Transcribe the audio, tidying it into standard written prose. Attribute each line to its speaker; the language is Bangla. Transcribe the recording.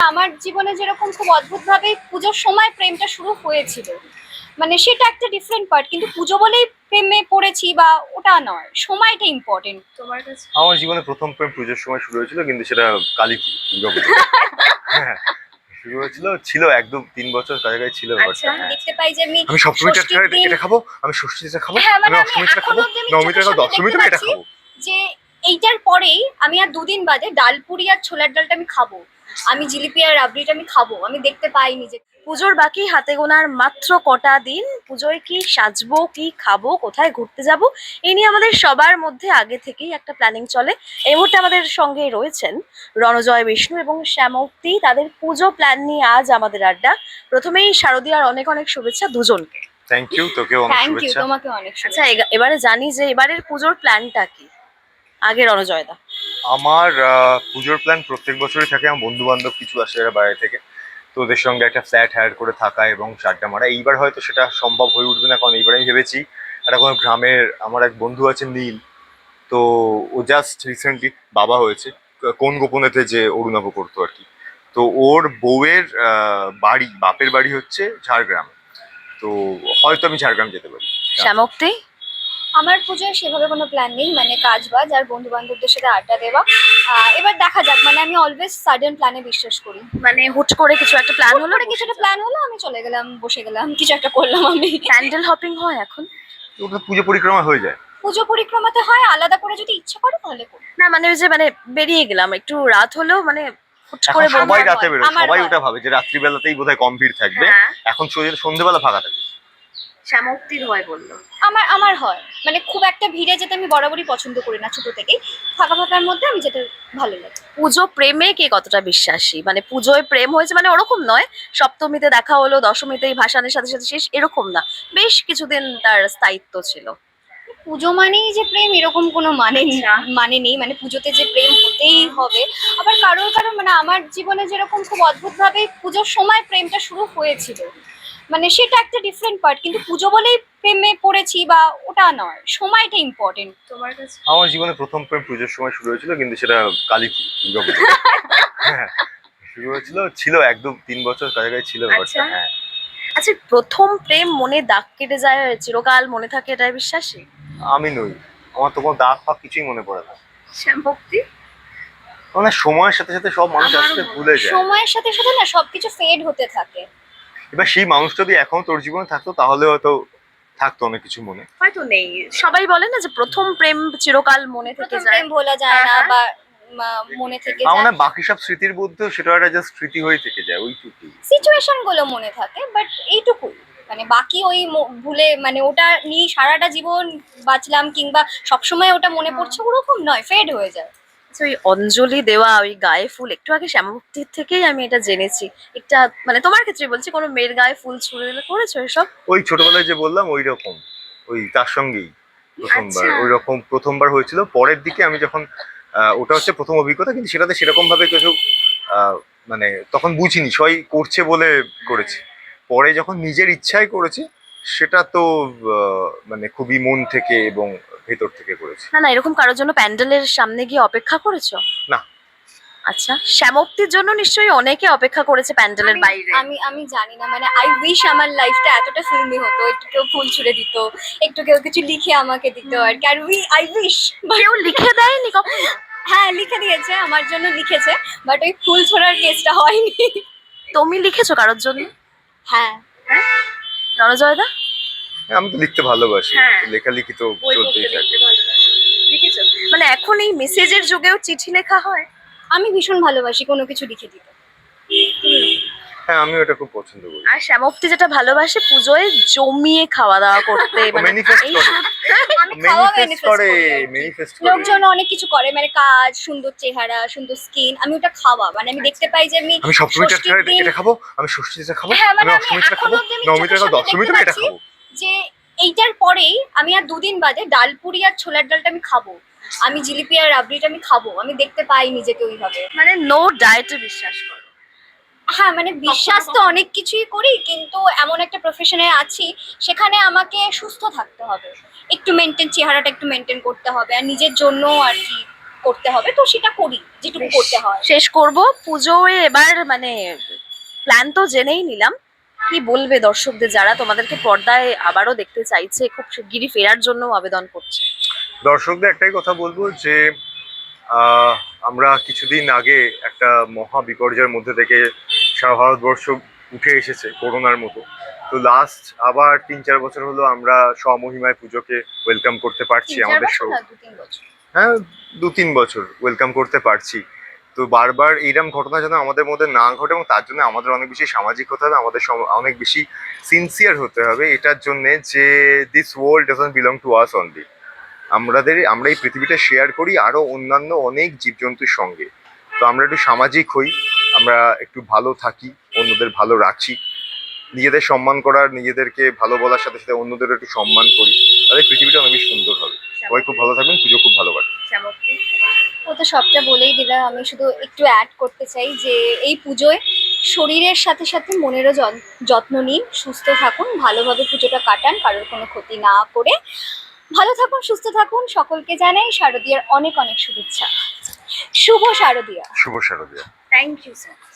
Speaker 1: আমার জীবনে যেরকম খুব অদ্ভুত ভাবে পুজোর সময় প্রেমটা শুরু হয়েছিল, মানে সেটা একটা ডিফারেন্ট পার্ট, কিন্তু পুজো বলেই প্রেমে পড়েছি বা ওটা নয়, সময়টা ইম্পর্টেন্ট। তোমার কাছে?
Speaker 2: আমার জীবনে প্রথম প্রেম পুজোর সময় শুরু হয়েছিল, কিন্তু সেটা কালী পুজো, দুর্গাপুজো। হ্যাঁ, শুরু হয়েছিল, ছিল 1-2-3 বছর কাছাকাছি ছিল ব্যাপারটা।
Speaker 1: আমি দেখতে পাই যে আমি
Speaker 2: আমি সপ্তমীটা
Speaker 1: ষষ্ঠীর দিন,
Speaker 2: এটা খাবো, আমি ষষ্ঠীটা খাবো,
Speaker 1: হ্যাঁ মানে
Speaker 2: আমি
Speaker 1: আমি
Speaker 2: অষ্টমীটা
Speaker 1: এখন
Speaker 2: খাবো,
Speaker 1: অব্দি আমি
Speaker 2: নবমীটা
Speaker 1: চোখের
Speaker 2: খাবো,
Speaker 1: সামনে দেখতে
Speaker 2: দশমীটা এটা
Speaker 1: পাচ্ছি
Speaker 2: খাবো।
Speaker 1: যে এইটার পরেই আমি আর দুদিন বাদে ডালপুরি আর ছোলার ডালটা আমি খাবো, আমি জিলিপি আর রাবড়িটা আমি খাবো, আমি দেখতে পাইনি যে
Speaker 3: পুজোর বাকি হাতে গোনার মাত্র কটা দিন। পুজোয় কি সাজবো, কি খাবো, কোথায় ঘুরতে যাব, এই নিয়ে আমাদের সবার মধ্যে আগে থেকেই একটা প্ল্যানিং চলে। এই মুহূর্তে আমাদের সঙ্গে রয়েছেন রণজয় বিষ্ণু এবং শ্যামক্তি। তাদের পুজো প্ল্যান নিয়ে আজ আমাদের আড্ডা। প্রথমেই শারদীয়ার অনেক অনেক শুভেচ্ছা দুজনকে।
Speaker 2: থ্যাংক ইউ, তোকেও অনেক
Speaker 1: থ্যাংক ইউ,
Speaker 2: শুভেচ্ছা।
Speaker 1: তোমাকে অনেক
Speaker 3: আচ্ছা,
Speaker 1: শুভেচ্ছা।
Speaker 3: এবারে জানি যে এবারের পুজোর প্ল্যানটা কি। আগে রণজয় দা।
Speaker 2: আমার পুজোর প্ল্যান প্রত্যেক বছরই থাকে। আমার বন্ধু বান্ধব কিছু আসে এরা বাইরে থেকে, তো ওদের সঙ্গে একটা ফ্ল্যাট হায়ার করে থাকা এবং আড্ডা মারা। এইবার হয়তো সেটা সম্ভব হয়ে উঠবে না, কারণ এইবার আমি ভেবেছি একটা কোনো গ্রামের, আমার এক বন্ধু আছে নীল, তো ও জাস্ট রিসেন্টলি বাবা হয়েছে, কোন গোপনেতে যে অরুণাভ করতো আর কি। তো ওর বউয়ের বাড়ি, বাপের বাড়ি হচ্ছে ঝাড়গ্রাম, তো হয়তো আমি ঝাড়গ্রাম যেতে পারি।
Speaker 3: শ্যামক্তি।
Speaker 1: আমার পুজোয় সেভাবে কোনো প্ল্যান নেই, মানে কাজ বাজ আর বন্ধু বান্ধবদের সাথে আড্ডা দেওয়া। এবার দেখা যাক, মানে আমি অলওয়েজ সাডেন প্ল্যানে বিশ্বাস করি।
Speaker 3: মানে হুট করে কিছু একটা প্ল্যান হলো,
Speaker 1: করে কিছু একটা প্ল্যান হলো, আমি চলে গেলাম, বসে গেলাম, কিছু একটা করলাম আমি।
Speaker 3: প্যান্ডেল হপিং হয় এখন?
Speaker 2: ওটা পুজো পরিক্রমা হয়ে যায়।
Speaker 1: পুজো পরিক্রমাতে হয়, আলাদা করে যদি ইচ্ছে করে তাহলে করি।
Speaker 3: না মানে ওই যে মানে বেরিয়ে গেলাম একটু রাত হলেও মানে হুট
Speaker 2: এখন
Speaker 3: করে
Speaker 2: সবাই
Speaker 1: আমার
Speaker 2: রাতে
Speaker 1: হয়,
Speaker 2: বেরোয়,
Speaker 1: আমার
Speaker 2: সবাই
Speaker 1: হয়।
Speaker 2: ওটা ভাবে যে রাত্রিবেলাতেই বোধহয় কম ভিড় থাকবে।
Speaker 3: হ্যাঁ।
Speaker 2: এখন সন্ধ্যেবেলা ফাঁকা থাকে।
Speaker 3: শ্যামক্তির হয় বললো।
Speaker 1: আমার আমার হয়, মানে খুব একটা ভিড়ে যেতে আমি বরাবরই পছন্দ করি না ছোট থেকেই, ফাঁকা ফাঁকার মধ্যে আমি যেতে ভালো লাগে।
Speaker 3: পুজো প্রেমে কে কতটা বিশ্বাসী? মানে পুজোয় প্রেম হয়েছে মানে ওরকম নয়, সপ্তমীতে দেখা হলো দশমীতেই ভাসানের সাথে সাথে শেষ, এরকম না, বেশ কিছুদিন তার স্থায়িত্ব ছিল।
Speaker 1: পুজো মানেই যে প্রেম এরকম কোনো মানে নেই, মানে পুজোতে যে প্রেম হতেই হবে। আবার কারোর কারোর, মানে আমার জীবনে যেরকম খুব অদ্ভুত ভাবে পুজোর সময় প্রেমটা শুরু হয়েছিল, মানে সেটা একটা ডিফারেন্ট পার্ট, কিন্তু পুজো বলেই প্রেমে পড়েছি বা ওটা নয়, সময়টা ইম্পর্টেন্ট। তোমার কাছে?
Speaker 2: আমার জীবনে প্রথম প্রেম পুজোর সময় শুরু হয়েছিল, কিন্তু সেটা কালী পুজো, দুর্গাপুজো। হ্যাঁ, শুরু হয়েছিল, ছিল 1-2-3 বছর কাছাকাছি ছিল ব্যাপারটা। হ্যাঁ,
Speaker 3: আচ্ছা, প্রথম প্রেম মনে দাগ কেটে যায়, চিরকাল মনে থাকে, এটাই বিশ্বাসী?
Speaker 2: আমি নই, আমার তো কোনো দাগ ফাগ কিছুই মনে পড়ে না।
Speaker 3: শ্যামভক্তি।
Speaker 2: মানে সময়ের সাথে সাথে সব মানুষ
Speaker 3: আমারও
Speaker 2: আসতে ভুলে যায়।
Speaker 1: সময়ের সাথে সাথে না সবকিছু ফেড হতে থাকে।
Speaker 2: এবার সেই মানুষ যদি এখন তোর জীবনে থাকতো, তাহলে হয়তো থাকতো অনেক কিছু মনে।
Speaker 3: হয়তো নেই। সবাই বলে না যে প্রথম প্রেম চিরকাল মনে থেকে
Speaker 1: প্রথম
Speaker 3: যায়।
Speaker 1: প্রেম ভোলা যায় না,
Speaker 3: হ্যাঁ,
Speaker 1: বা মনে থেকে
Speaker 2: আমার
Speaker 1: যায়।
Speaker 2: না বাকি সব স্মৃতির মধ্যেও সেটা একটা জাস্ট স্মৃতি হয়ে থেকে যায়, ওইটুকুই।
Speaker 1: সিচুয়েশন গুলো মনে থাকে, বাট এইটুকুই, মানে বাকি ওই ভুলে, মানে ওটা নিয়ে সারাটা জীবন বাঁচলাম কিংবা সবসময় ওটা মনে পড়ছে ওরকম নয়, ফেড হয়ে যায়।
Speaker 3: আচ্ছা, ওই অঞ্জলি দেওয়া, ওই গায়ে ফুল, একটু আগে শ্যামভক্তির থেকেই আমি এটা জেনেছি। একটা মানে তোমার ক্ষেত্রে বলছি, কোনো মেয়ের গায়ে ফুল ছুঁড়ে দিলে করেছো এসব?
Speaker 2: ওই ছোটবেলায় যে বললাম ওই রকম, ওই তার সঙ্গেই প্রথমবার
Speaker 3: আচ্ছা।
Speaker 2: ওই রকম প্রথমবার হয়েছিল। পরের দিকে আমি যখন ওটা হচ্ছে প্রথম অভিজ্ঞতা, কিন্তু সেটাতে সেরকম ভাবে কিছু আহ, মানে তখন বুঝিনি, সবাই করছে বলে করেছি। পরে যখন নিজের ইচ্ছায় করেছি, সেটা তো মানে খুবই মন থেকে এবং ভেতর থেকে করেছি।
Speaker 3: না না, এরকম কারোর জন্য প্যান্ডেলের সামনে গিয়ে অপেক্ষা করেছো?
Speaker 2: না।
Speaker 3: আচ্ছা, শ্যামক্তির জন্য নিশ্চয়ই অনেকে অপেক্ষা করেছে প্যান্ডেলের বাইরে।
Speaker 1: আমি আমি জানি না, মানে আই উইশ আমার লাইফটা এতটা ফিল্মি হতো, একটু কেউ ফুল ছুড়ে দিত, একটু কেউ কিছু লিখে আমাকে দিত আর কি, আর আই উইশ।
Speaker 3: কেউ লিখে দেয়নি কখনো?
Speaker 1: হ্যাঁ, লিখে দিয়েছে, আমার জন্য লিখেছে, বাট ওই ফুল ছোড়ার কেসটা হয়নি।
Speaker 3: তুমি লিখেছো কারোর জন্য?
Speaker 1: হ্যাঁ।
Speaker 3: রণজয় দা।
Speaker 2: হ্যাঁ, আমি তো লিখতে ভালোবাসি,
Speaker 3: হ্যাঁ।
Speaker 2: লেখালেখি তো চলতেই থাকে।
Speaker 3: লিখেছো? মানে এখন এই মেসেজের যুগেও চিঠি লেখা হয়?
Speaker 1: আমি ভীষণ ভালোবাসি কোনো কিছু লিখে দিতে।
Speaker 2: হ্যাঁ, আমি ওটা খুব পছন্দ করি।
Speaker 3: আর শ্যামক্তি যেটা ভালোবাসে পুজোয় জমিয়ে খাওয়া দাওয়া করতে, মানে
Speaker 2: ম্যানিফেস্ট
Speaker 3: এই
Speaker 2: করে,
Speaker 1: আমি খাওয়া
Speaker 2: ম্যানিফেস্ট
Speaker 1: manifest
Speaker 2: করে,
Speaker 1: করি আর কি।
Speaker 2: ম্যানিফেস্ট করে।
Speaker 1: লোকজন অনেক কিছু করে, মানে কাজ, সুন্দর চেহারা, সুন্দর স্কিন, আমি ওটা খাওয়া, মানে আমি দেখতে পাই যে আমি
Speaker 2: আমি সপ্তমীটা
Speaker 1: ষষ্ঠীর দিন,
Speaker 2: এটা খাবো, আমি ষষ্ঠীটা খাবো,
Speaker 1: হ্যাঁ মানে
Speaker 2: আমি
Speaker 1: আমি
Speaker 2: অষ্টমীটা
Speaker 1: এখন
Speaker 2: খাবো,
Speaker 1: অব্দি আমি
Speaker 2: নবমীটা
Speaker 1: চোখের
Speaker 2: খাবো,
Speaker 1: সামনে দেখতে
Speaker 2: দশমীটা এটা
Speaker 1: পাচ্ছি
Speaker 2: খাবো।
Speaker 1: যে এইটার পরেই আমি আর দুদিন বাদে ডালপুরি আর ছোলার ডালটা আমি খাবো, আমি জিলিপি আর রাবড়িটা আমি খাবো, আমি দেখতে পাই নিজেকে ওইভাবে।
Speaker 3: মানে নো ডায়েটে বিশ্বাস করো?
Speaker 1: হ্যাঁ, মানে বিশ্বাস তো অনেক কিছুই করি, কিন্তু এমন একটা প্রফেশনে আছি সেখানে আমাকে সুস্থ থাকতে হবে, একটু মেনটেন, চেহারাটা একটু মেনটেন করতে হবে, আর নিজের জন্য আর কি করতে হবে, তো সেটা করি যেটুকু করতে হয়।
Speaker 3: শেষ করব পুজোয় এবার, মানে প্ল্যান তো জেনেই নিলাম, কি বলবে দর্শকদের যারা তোমাদেরকে পর্দায় আবারও দেখতে চাইছে, খুব শিগগিরই ফেরার জন্য আবেদন করছে?
Speaker 2: দর্শকদের একটাই কথা বলবো যে আহ, আমরা কিছুদিন আগে একটা মহা বিপর্যয়ের মধ্যে থেকে সারা ভারতবর্ষ উঠে এসেছে করোনার মতো। তো লাস্ট আবার 3-4 বছর হলো আমরা স্বমহিমায় পুজোকে ওয়েলকাম করতে পারছি
Speaker 1: 3-4
Speaker 2: আমাদের
Speaker 1: বছর
Speaker 2: শো।
Speaker 1: না 2-3 বছর।
Speaker 2: হ্যাঁ, 2-3 বছর ওয়েলকাম করতে পারছি। তো বারবার এইরকম ঘটনা যেন আমাদের মধ্যে না ঘটে, এবং তার জন্য আমাদের অনেক বেশি সামাজিক হতে হবে, আমাদের অনেক বেশি সিনসিয়ার হতে হবে এটার জন্য যে this world doesn't belong to us only. আমরা এই পৃথিবীটা শেয়ার করি আরো অন্যান্য অনেক জীবজন্তুর সঙ্গে। তো আমরা একটু সামাজিক হই, আমরা একটু ভালো থাকি, অন্যদের ভালো রাখি, নিজেদের সম্মান করার, নিজেদেরকে ভালো বলার সাথে সাথে অন্যদেরও একটু সম্মান করি, তাহলে পৃথিবীটা অনেক বেশি সুন্দর হবে। সবাই খুব ভালো থাকবেন, পুজো খুব ভালো কাটুক।
Speaker 1: ও তো সবটা বলেই দিলা, আমি শুধু একটু অ্যাড করতে চাই যে এই পুজোয় শরীরের সাথে সাথে মনেরও যত্ন নিন, সুস্থ থাকুন, ভালোভাবে পুজোটা কাটান, কারোর কোনো ক্ষতি না করে। ভালো থাকুন, সুস্থ থাকুন, সকলকে জানাই শারদীয়ার অনেক অনেক শুভেচ্ছা। শুভ শারদীয়া।
Speaker 2: শুভ শারদীয়া।
Speaker 1: Thank you sir.